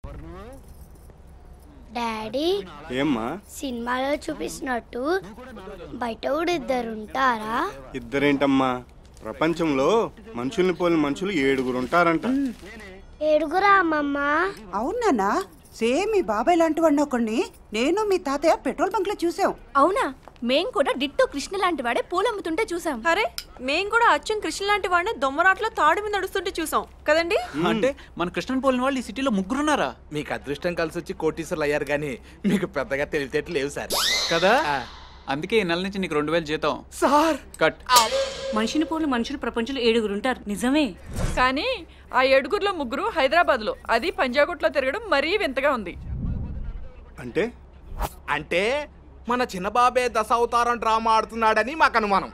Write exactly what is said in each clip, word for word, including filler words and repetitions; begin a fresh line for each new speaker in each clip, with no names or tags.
Daddy
ఏమ్మా
సినిమాలో చూపిస్తున్నట్టు బయట కూడా ఇద్దరు ఉంటారా?
ఇద్దరేంటమ్మా, ప్రపంచంలో మనుషుల్ని పోలిన మనుషులు ఏడుగురు ఉంటారంట.
ఏడుగురా అమ్మమ్మ?
అవునా? సేమ్ మీ బాబాయ్ లాంటి వాడిని ఒకడిని నేను మీ తాతయ్య పెట్రోల్ బంక్ లో చూసాం.
అవునా? మేం కూడా డిట్టో కృష్ణ లాంటి వాడే పూలమ్ముతుంటే చూసాం.
అరే మేం కూడా అచ్చం కృష్ణ లాంటి వాడిని దొమ్మరాట్లో తాడు మీద నడుస్తుంటే చూసాం కదండి.
అంటే మన కృష్ణన్ పోలిన వాళ్ళు ఈ సిటీలో ముగ్గురున్నారా?
మీకు అదృష్టం కలిసి వచ్చి కోటీశ్వర్లు అయ్యారు కానీ మీకు పెద్దగా తెలివితేటలు లేవు సార్.
కదా అందుకే ఈ నెల నుంచి నీకు రెండు వేలు జీతం
సార్.
కట్.
మనిషిని పోలు మనుషులు ప్రపంచంలో ఏడుగురు ఉంటారు, నిజమే.
కానీ ఆ ఏడుగురులో ముగ్గురు హైదరాబాద్ లో, అది పంజాగుట్లో తిరగడం మరీ వింతగా ఉంది.
అంటే
అంటే మన చిన్నబాబే దశ అవతారం డ్రామా ఆడుతున్నాడని మాకు అనుమానం.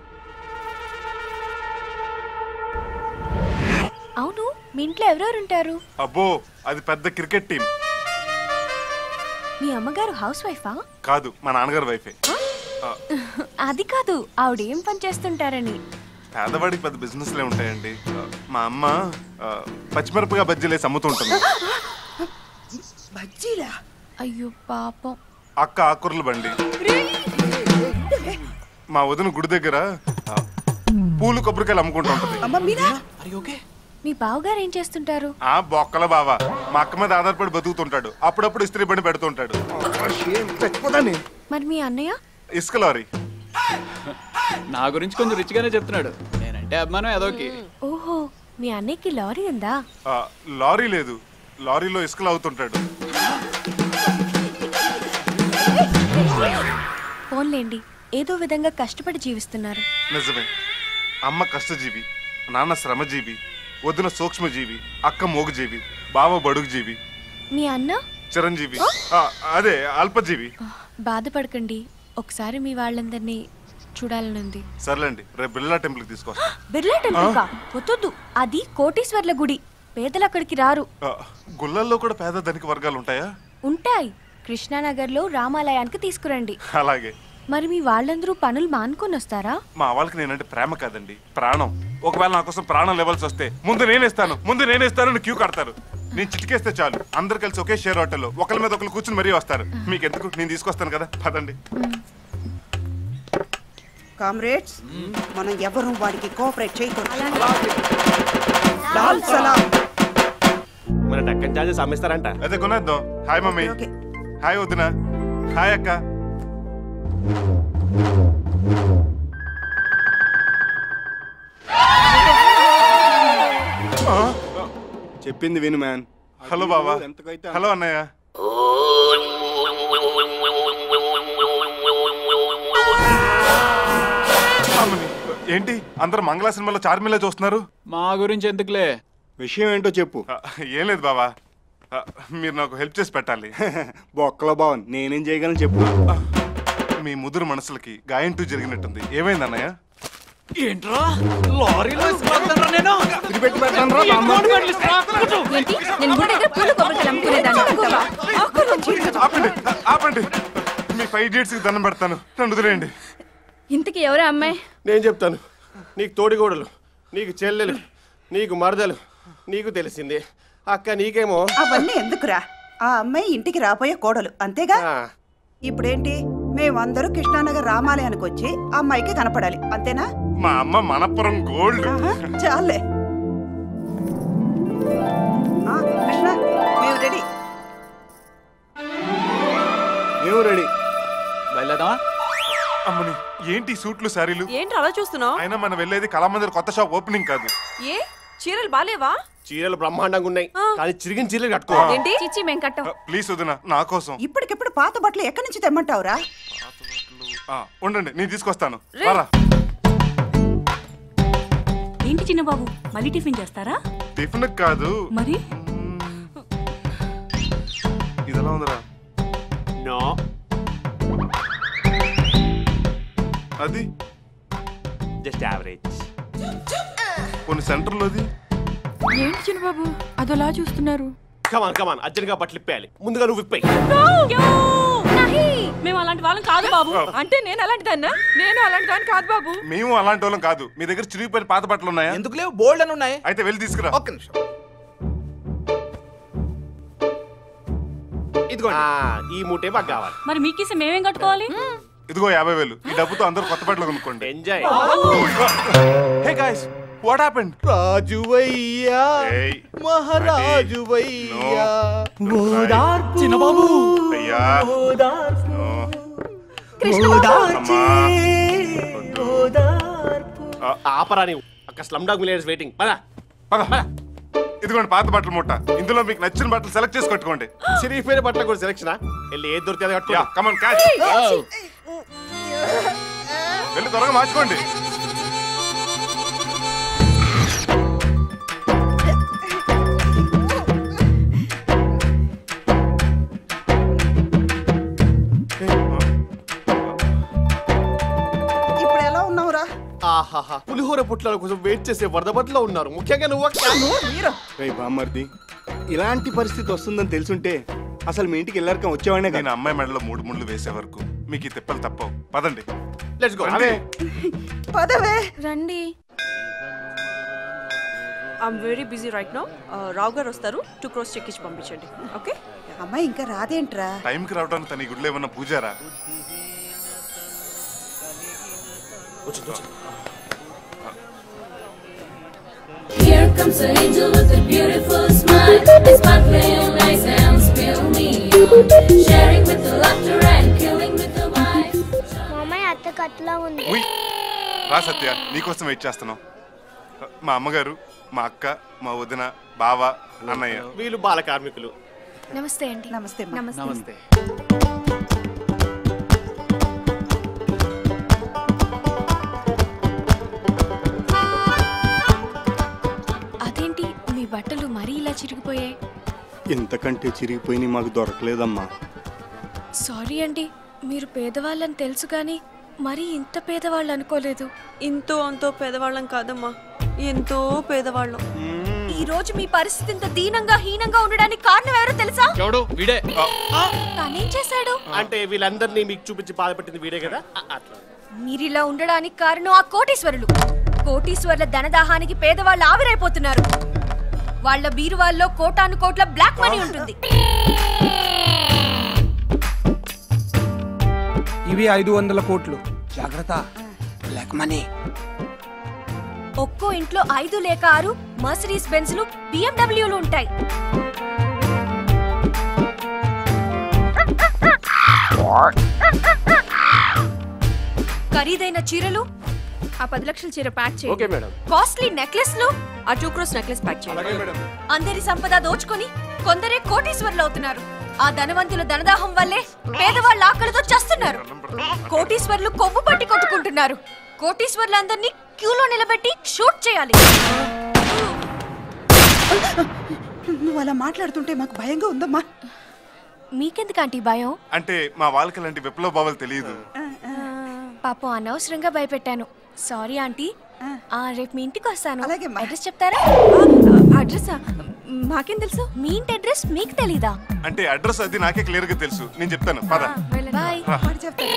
అవును, మీ ఇంట్లో ఎవరెవరు ఉంటారు?
అబ్బో అది పెద్ద క్రికెట్ టీం.
మీ అమ్మగారు హౌస్ వైఫా?
కాదు, మా నాన్నగారు వైఫే.
అది కాదు, ఆవిడ ఏం పని చేస్తుంటారని.
పేదవాడికి పెద్ద బిజినెస్లే ఉంటాయండి. మా అమ్మ పచ్చిమిరపగా బజ్జీలేసి అమ్ముతుంటుంది.
బజ్జీలా?
అయ్యో పాపం.
అక్క ఆకుర్ల బండి. మా వదిన గుడి దగ్గర పూలు కొబ్బరికాయలు అమ్ముకుంటూ ఉంటుంది.
మీ బావగారు ఏం చేస్తుంటారు?
ఆ బొక్కల బావా మా అక్క మీద ఆధారపడి బతుకుతుంటాడు. అప్పుడప్పుడు ఇస్త్రీ బండి పెడుతుంటాడు.
మరి మీ అన్నయ్య?
ఇసుక లారీ.
నా గురించి కొంచెం రిచ్ గానే చెప్తున్నాడు. నేనంటే అభిమానం ఏదోకి.
ఓహో, మీ అన్నయ్యకి లారీ ఉందా?
లారీ లేదు, లారీలో ఇసుకలు అవుతుంటాడు.
ఫోన్లేండి, ఏదో విధంగా కష్టపడి జీవిస్తున్నారు.
నిజమే. అమ్మ కష్టజీవి, నాన్న శ్రమజీవి, వదిన సూక్ష్మజీవి, అక్క మోగుజీవి, బావ బడుగుజీవి,
మీ అన్న
చిరంజీవి, అదే అల్పజీవి.
బాధపడకండి, ఒకసారి మీ వాళ్ళందరినీ చూడాలనుంది.
సర్లేండి, రేపు బిర్లా టెంపుల్ తీసుకొస్తా.
బిర్లా టెంపుల్ కా? వద్దు, అది కోటీశ్వర్ల గుడి, పేదలు అక్కడికి రారు.
గుళ్ళల్లో కూడా పేద ధనిక వర్గాలు ఉంటాయా?
ఉంటాయి. కృష్ణానగర్ లో రామాలయానికి తీసుకురండి.
అలాగే.
మరి మీ వాళ్ళందరూ పనులు మానుకొని వస్తారా?
మా వాళ్ళకి నేనంటే ప్రేమ కాదండి, ప్రాణం. ఒకవేళ నా కోసం ప్రాణం లెవెల్స్ వస్తే ముందు నేనేస్తాను ముందు నేనేస్తాను క్యూ కడతారు. నేను చిటికేస్తే చాలు, అందరు కలిసి ఒకే షేర్ హోటల్లో ఒకరి మీద ఒకరు కూర్చుని మరీ వస్తారు. మీకు ఎందుకు, నేను తీసుకొస్తాను కదా, పదండి.
కామ్రేడ్స్, మనం ఎవరు వాడికి కోఆపరేట్ చేయకూడదు. లాల్ సలాం.
మన డక్కన్ చార్జెస్ అమ్మేస్తారంట.
అదే కొనేద్దాం. Hi mummy. హాయ్ వదినా. హాయ్ అక్క.
చెప్పింది విను మ్యాన్.
హలో బావా. హలో అన్నయ్య. ఏంటి అందరు మంగళ సినిమాలో చార్మిలా చూస్తున్నారు?
మా గురించి ఎందుకులే,
విషయం ఏంటో చెప్పు.
ఏం లేదు బావా, మీరు నాకు హెల్ప్ చేసి పెట్టాలి.
బొక్కలో బావన్, నేనేం చేయగలను చెప్పు.
మీ ముదురు మనసులకి గాయంటూ జరిగినట్టుంది. ఏమైంది అన్నయ్య?
ఏంట్రా లారీలో ఇసుకెళ్తాను నేను?
తిరిపెట్టి పెట్టాను రా.
ఏంటి, నేను గుడి దగ్గర పూల కొబ్బరికాయలు అమ్ముకునేదాన్ని.
ఆపండి ఆపండి, మీ ఫైవ్ ఇడియట్స్ కి దండం పెడతాను, నన్ను వదిలేయండి.
ఇంతకీ ఎవరే అమ్మాయి?
నేను చెప్తాను. నీకు తోడిగోడలు, నీకు చెల్లెలు, నీకు మరదలు, నీకు తెలిసింది. అక్క నీకేమో.
అవన్నీ ఎందుకురా, ఆ అమ్మాయి ఇంటికి రాబోయే కోడలు, అంతేగా. ఇప్పుడేంటి, మేమందరూ కృష్ణానగర్ రామాలయానికి వచ్చి ఆ అమ్మాయికి కనపడాలి, అంతేనా?
మా అమ్మ మనపురం గోల్డ్.
చాలే కృష్ణ, మేము రెడీ.
మేము రెడీ.
బయలుదేరదామా?
అమ్మని, ఏంటి సూట్లు శారీలు?
ఏంటి అలా చూస్తున్నావు?
అయినా మనం వెళ్ళేది కళామందిర్ కొత్త షాప్ ఓపెనింగ్ కాదు.
ఏ చీరలు బాలేవా?
చీరలు బ్రహ్మాండంగా ఉన్నాయి, కానీ చిరిగిన చీరలు కట్టుకోవాలి.
ఏంటి చిచ్చి మేం కట్టం.
ప్లీజ్ వదినా, నా కోసం.
ఇప్పటికిప్పుడు పాత బట్టలు ఎక్కడి నుంచి తెమ్మంటావురా?
ఉండండి, నేను తీసుకొస్తాను. రారా.
ఏంటి చిన్న బాబు, మళ్ళీ టిఫిన్ చేస్తారా?
టిఫిన్ కాదు
మరి.
ఇదెలా ఉందిరా?
నో,
అది
జస్ట్ యావరేజ్.
కొన్ని సెంటర్లోది.
ఏంటి చిన్నబాబు అదోలా చూస్తున్నారు?
కమాన్ కమాన్, అర్జెంట్గా బట్టలు ఇప్పేయాలి. ముందుగా నువ్వు ఇప్పాయి.
మేము అలాంటి వాళ్ళం కాదు బాబు.
అంటే నేను అలాంటి దాన్నా? నేను అలాంటి దాన్ని కాదు బాబు.
మేము అలాంటి వాళ్ళం కాదు. మీ దగ్గర చిరిగిపోయిన పాత బట్టలు ఉన్నాయా?
ఎందుకు లేవు, బోల్డ్ అని ఉన్నాయి.
అయితే వెళ్ళి తీసుకురా.
ఒక్క నిమిషం. ఇదిగోండి ఈ మూటే మాకు కావాలి.
మరి మీకేసి మేమేం కట్టుకోవాలి?
ఇదిగో యాభై వేలు. ఈ డబ్బుతో అందరూ కొత్త బట్టలు కొనుక్కోండి.
Enjoy.
Hey guys, what happened?
రాజువయ్యా మహారాజువయ్యా
చిన్నబాబు అయ్యా
ఆపరా నీవు. అక్కడ స్లమ్ డాగ్ మిలియనర్స్ వెయిటింగ్. పద
పద. ఇదిగోండి పాత బట్టల మూట. ఇందులో మీకు నచ్చిన బట్టలు సెలెక్ట్ చేసి కట్టుకోండి.
చిరిగిపోయిన బట్టలు కూడా సెలెక్షన్. వెళ్ళి ఏది దొరికితే అది కట్టుకో.
Come on catch. వెళ్ళి త్వరగా మార్చుకోండి.
ఇప్పుడు ఎలా ఉన్నావురా?
ఆహాహా, పులిహోర పుట్ల కోసం వెయిట్ చేసే వరదబట్లో ఉన్నారు. ముఖ్యంగా నువ్వు
రే బామ్మర్ది, ఇలాంటి పరిస్థితి వస్తుందని తెలుసుంటే అసలు మీ ఇంటికి వెళ్ళాక వచ్చేవాడినే
నేను అమ్మాయి మెడలో మూడు ముళ్ళు వేసే వరకు మీకు ఈ తిప్పలు తప్పవు. పదండి.
Let's go.
పదవే
రండి.
I'm very busy right now. Rao గారు వస్తారు, టూ క్రోస్ చెక్ ఇచ్చి పంపించండి. ఓకే.
అమ్మాయి ఇంకా రాదేంట్రా?
టైంకి రావడానికి తన ఈ గుడిలో ఏమన్నా Pujara?
Here comes an angel with a beautiful smile. It's sparkling nice and spill me on. Sharing with the laughter and killing with the wife.
మామయ్య అత్త కట్లా ఉంది.
రా సత్య, నీకోసం వెయిట్ చేస్తున్నాం. మా అమ్మగారు, మా అక్క, మా వదిన, బావ, అన్నయ్య.
వీళ్ళు బాల కార్మికులు.
నమస్తే అండి.
నమస్తే.
నమస్తే. అదేంటి మీ బట్టలు మరీ ఇలా చిరిగిపోయాయి?
ఇంతకంటే చిరిగిపోయి మాకు దొరకలేదమ్మా.
సారీ అండి, మీరు పేదవాళ్ళని తెలుసు కానీ మరీ ఇంత పేదవాళ్ళు అనుకోలేదు.
ఇంతో అంతో పేదవాళ్ళం కాదమ్మా, ఎంతో పేదవాళ్ళం.
ఈ రోజు మీ పరిస్థితి ఇంత దీనంగా హీనంగా ఉండడానికి కారణం ఎవరో తెలుసా?
ఎవడు? వీడే.
తనేం చేశాడు?
అంటే వీళ్ళందరినీ మీకు చూపించి బాధపెట్టింది వీడే కదా. అట్లా
మీరిలా ఉండడానికి కారణం ఆ కోటీశ్వరులు. కోటీశ్వరుల ధనదాహానికి పేదవాళ్ళు ఆవిరైపోతున్నారు. వాళ్ళ బీరువాల్లో కోటాను కోట్ల బ్లాక్ మనీ ఉంటుంది.
ఇవి ఐదు వందల కోట్లు. జాగ్రత్త, బ్లాక్ మనీ.
ఒక్కో ఇంట్లో ఐదు లేక ఆరు మర్సిడీస్ బెంజ్లు, బిఎండబ్ల్యూలు ఉంటాయి. ఖరీదైన చీరలు, ఆ పది లక్షల చీర ప్యాక్
ఓకే మేడం.
చేయండి. కాస్ట్లీ నెక్లెస్లు,
ఆ టూ క్రోస్ నెక్లెస్ ప్యాక్ చేయండి.
అందరి సంపద దోచుకొని కొందరే కోటీశ్వరులు అవుతున్నారు. ఆ ధనవంతుల ధనదాహం వల్లే పేదవాళ్ళు ఆకలితో చస్తున్నారు. కోటీశ్వరులు కొవ్వు పట్టి కొట్టుకుంటున్నారు. కోటీశ్వరులందరినీ క్యూలో నిలబెట్టి షూట్ చేయాలి.
నువ్వు అలా మాట్లాడుతుంటే మాకు భయంగా ఉందమ్మా.
మీకెందుకంటే భయం?
అంటే మా వాళ్ళకి అలాంటి విప్లవ భావాలు తెలియదు.
పాపం అనవసరంగా భయపెట్టాను. Sorry aunty. ఆ, రేపు మీ ఇంటికి వస్తాను.
అలాగే.
అడ్రస్ చెప్తారా? అడ్రస్ మాకేం తెలుసు? మీ ఇంటి అడ్రస్ మీకు తెలీదా?
అంటే అడ్రస్ అది నాకే క్లియర్ గా తెలుసు. నేను చెప్తాను, పద.
బాయ్.
వాడు చెప్తాడు.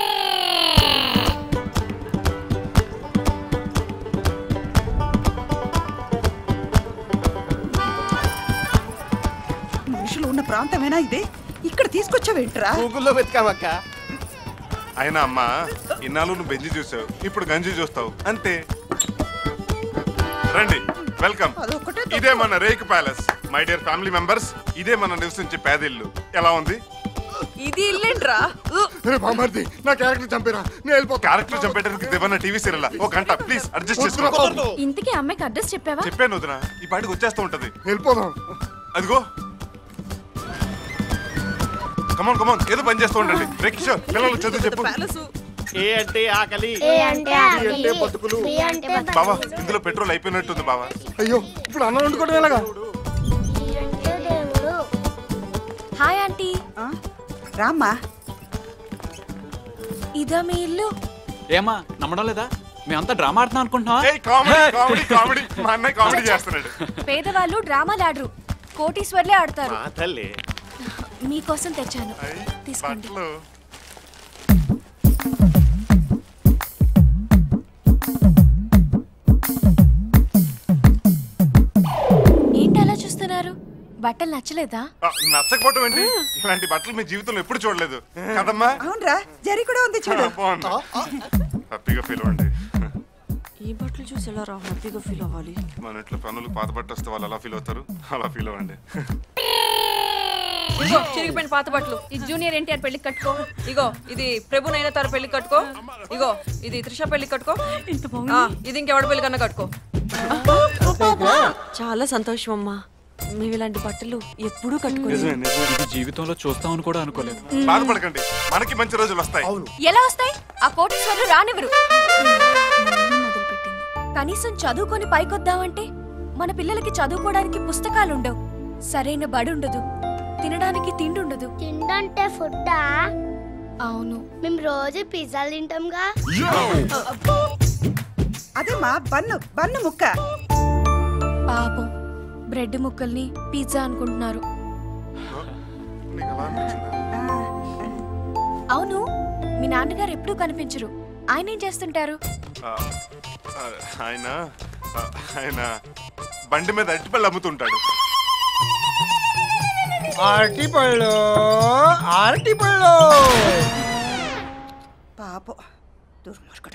మనుషులు ఉన్న ప్రాంతమేనా ఇది? ఇక్కడ తీసుకొచ్చావేంట్రా?
గూగుల్లో వెతకామక్క.
అయినా అమ్మా, ఇన్నాళ్ళు నువ్వు బెంజి చూసావు, ఇప్పుడు గంజి చూస్తావు అంతే. రండి, వెల్కమ్. ఇదే మన రేక్ palace. My dear family members, ఇదే మన నివసించే పేదిల్లు. ఎలా ఉంది?
ఇది ఇల్లేంట్రా?
నా క్యారెక్టర్ చంపేరా, నేను వెళ్ళిపో. క్యారెక్టర్ చంపేటప్పుడు దేవన్న టీవీ సీరియల్ ఒక గంట ప్లీజ్ అడ్జస్ట్ చేసుకో.
ఇంతకీ అమ్మాయికి అడ్రస్ చెప్పావా?
చెప్పాను వదినా, ఈ పాటికి వచ్చేస్తూ ఉంటది. వెళ్ళిపోదాం. అదిగో కమాన్ కమాన్, ఏదో పని చేస్తూ ఉండండి. రే కిషోర్, పిల్లలు చదువు చెప్పు.
ఏ అంటే ఆకలి,
ఏ అంటే ఆకలి,
అంటే బతుకులు.
బి అంటే బతుకులు.
బావా, ఇందులో పెట్రోల్ అయిపోయినట్టుంది బావా.
అయ్యో, ఇప్పుడు అన్నం వండుకోవడం ఎలాగా?
డి అంటే దేవుడు.
Hi aunty.
రామ్మా.
ఇదా మీ ఇల్లు?
ఏమా నమ్మడం లేదా? మేమంతా డ్రామా ఆడుతున్నాం అనుకుంటున్నావా?
ఏయ్, కామెడీ కామెడీ కామెడీ. మా అన్నయ్య కామెడీ చేస్తున్నాడు.
పేదవాళ్ళు డ్రామాలు ఆడరు, కోటీశ్వర్లే ఆడతారు.
మా తల్లి
మీకోసం తెచ్చాను, తీసుకోండి.
బట్టలు.
ఏంటి అలా చూస్తున్నారు? బట్టలు నచ్చలేదా?
ఆ, నచ్చకపోవటం ఏంటి? ఇలాంటి బట్టలు మీ జీవితంలో ఎప్పుడు చూడలేదు కదమ్మా.
అవునరా, జరి కూడా ఉంది చూడు.
హ్యాపీగా ఫీల్ అవ్వండి.
ఈ బట్టలు చూసి ఎలా రా హ్యాపీగా ఫీల్ అవ్వాలి?
మన ఇంట్లో పనులు పాత బట్ట వస్తే వాళ్ళు ఎలా ఫీల్ అవుతారు, అలా ఫీల్ అవ్వండి.
ఇగో చిరిగిపోయిన పాత బట్టలు. ఇది జూనియర్ ఎన్టీఆర్ పెళ్లికి కట్టుకో. ఇగో ఇది ప్రభు నైనతార పెళ్లికి కట్టుకో. ఇగో ఇది త్రిష పెళ్లికి కట్టుకో. ఆ, ఇది ఇంకెవడ పెళ్లి కన్నా కట్టుకో.
చాలా సంతోషం అమ్మా. మేము ఇలాంటి బట్టలు ఎప్పుడూ కట్టుకోలేదు.
ఇది జీవితంలో చూస్తామని కూడా అనుకోలేదు.
బాధపడకండి, మనకి మంచి రోజులు వస్తాయి.
ఎలా వస్తాయి? ఆ కోటీశ్వర్లు రానివ్వరు. మొదలుపెట్టింది. కనీసం చదువుకొని పైకొద్దామంటే మన పిల్లలకి చదువుకోవడానికి పుస్తకాలు ఉండవు, సరైన బడి ఉండదు, తినడానికి తిండి ఉండదు.
తిండంటే ఫుడ్డా?
అవును,
మేము రోజు పిజ్జాలు తింటాంగా.
అదే మా బన్ను బన్ను ముక్క.
పాపం బ్రెడ్ ముక్కల్ని పిజ్జా అనుకుంటున్నారు. అవును, మీ నాన్నగారు ఎప్పుడూ కనిపించరు. ఆయన ఏం చేస్తుంటారు?
ఆ, ఆ, ఆయన ఆ, ఆయన బండి మీద అరటిపళ్ళు అమ్ముతుంటాడు.
అరటిపళ్ళు అరటిపళ్ళు
పాపం దుర్మార్గుడా.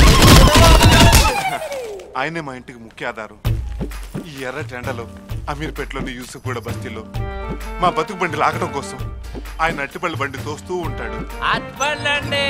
ఆయనే మా ఇంటికి ముఖ్య ఆధారం. ఈ ఎర్ర టెండలో అమీర్పేటలోని యూసుఫ్ కూడా బస్తీలో మా బతుకు బండి లాగడం కోసం ఆయన అట్టిపల్లి బండి తోస్తూ ఉంటాడు.
అట్పండి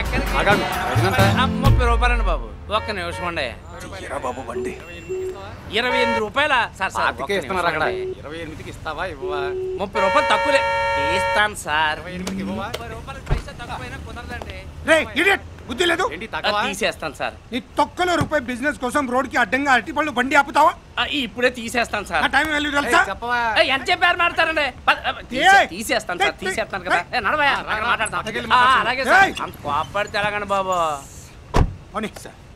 ముప్పై రూపాయలండి బాబు. ఒక్క నిమిషం అండి
బాబు బండి
ఇరవై ఎనిమిది రూపాయల సార్ సార్
ఇరవై ఎనిమిదికి ఇస్తావా ఇవ్వవా?
ముప్పై రూపాయలు తక్కువలే తీస్తాను సార్. ముప్పై రూపాయలు పైసా తక్కువైనా కుదరదండి.
బుద్ధి లేదు,
తీసేస్తాను సార్.
నీ తొక్కలో రూపాయి బిజినెస్ కోసం రోడ్ కి అడ్డంగా అరటిపళ్ళు బండి ఆపుతావా?
ఇప్పుడే తీసేస్తాను సార్.
టైం వాల్యూ తెలుసా?
ఎంత చెప్పారు మాట్లాడతారండి? తీసేస్తాను సార్, తీసేస్తాను కదా. నడవయా మాట్లాడతాం. అలాగే సార్, అంత కోపడితే ఎలాగండి బాబు.
అవును సార్.